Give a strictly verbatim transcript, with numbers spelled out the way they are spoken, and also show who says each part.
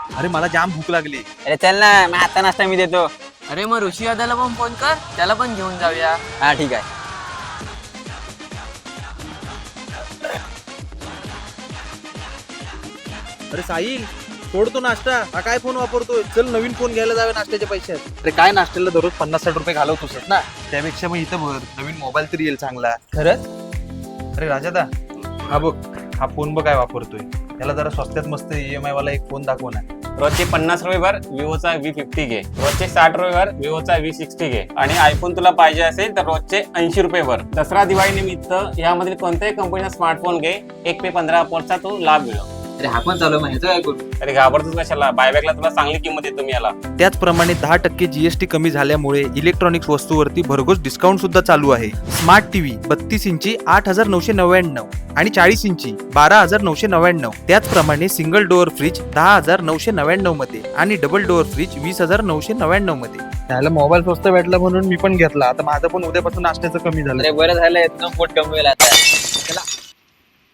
Speaker 1: अरे मला जाम भूक लागली.
Speaker 2: अरे चल ना, मी आता नाश्ता मी देतो.
Speaker 3: अरे मग ऋषी दादाला पण फोन कर, त्याला पण घेऊन जाऊया.
Speaker 2: हा ठीक आहे.
Speaker 1: अरे साहिल, सोडतो नाश्ता. हा काय फोन वापरतोय? चल नवीन फोन घ्यायला जावे नाश्त्याचे पैशात. अरे काय नाश्त्याला दररोज पन्नास साठ रुपये घालवतोस ना, त्यापेक्षा मग इथं भर नवीन मोबाईल तरी येईल चांगला.
Speaker 2: खरंच?
Speaker 1: अरे राजादा, हा बघ, हा फोन बघ काय वापरतोय. त्याला जरा स्वस्त्यात मस्त ईएमआय वाला एक फोन दाखव ना.
Speaker 4: रोजचे पन्नास रुपये भर विवोचा व्ही फिफ्टी घे, रोजचे साठ रुपये भर विवोचा व्ही सिक्स्टी घे आणि आयफोन तुला पाहिजे असेल तर रोजचे ऐंशी रुपये भर. दसरा दिवाळी निमित्त यामधील कोणत्याही कंपनीचा स्मार्टफोन घे, एक पे पंधरा ऑफरचा तो लाभ मिळव.
Speaker 2: अरे हा पण चालू आहे, काय करू?
Speaker 4: अरे घाबरतोस कशाला, बायबॅकला तुला चांगली किंमत देतो मी याला.
Speaker 1: त्याचप्रमाणे दहा टक्के जीएसटी कमी झाल्यामुळे इलेक्ट्रॉनिक्स वस्तूवरती भरघोस डिस्काउंट सुद्धा चालू आहे. स्मार्ट टीव्ही बत्तीस इंची आठ हजार नऊशे नव्याण्णव आणि चाळीस इंची बारा हजार नऊशे नव्याण्णव. त्याचप्रमाणे सिंगल डोअर फ्रीज दहा हजार नऊशे नव्याण्णव मध्ये आणि डबल डोअर फ्रीज वीस हजार नऊशे नव्याण्णव मध्ये. त्याला मोबाईल स्वस्त भेटला म्हणून मी पण घेतला. आता माझं पण उद्यापासून नाश्त्याचं कमी झालं.
Speaker 2: अरे बरं झालं, पोट कमी होईल आता.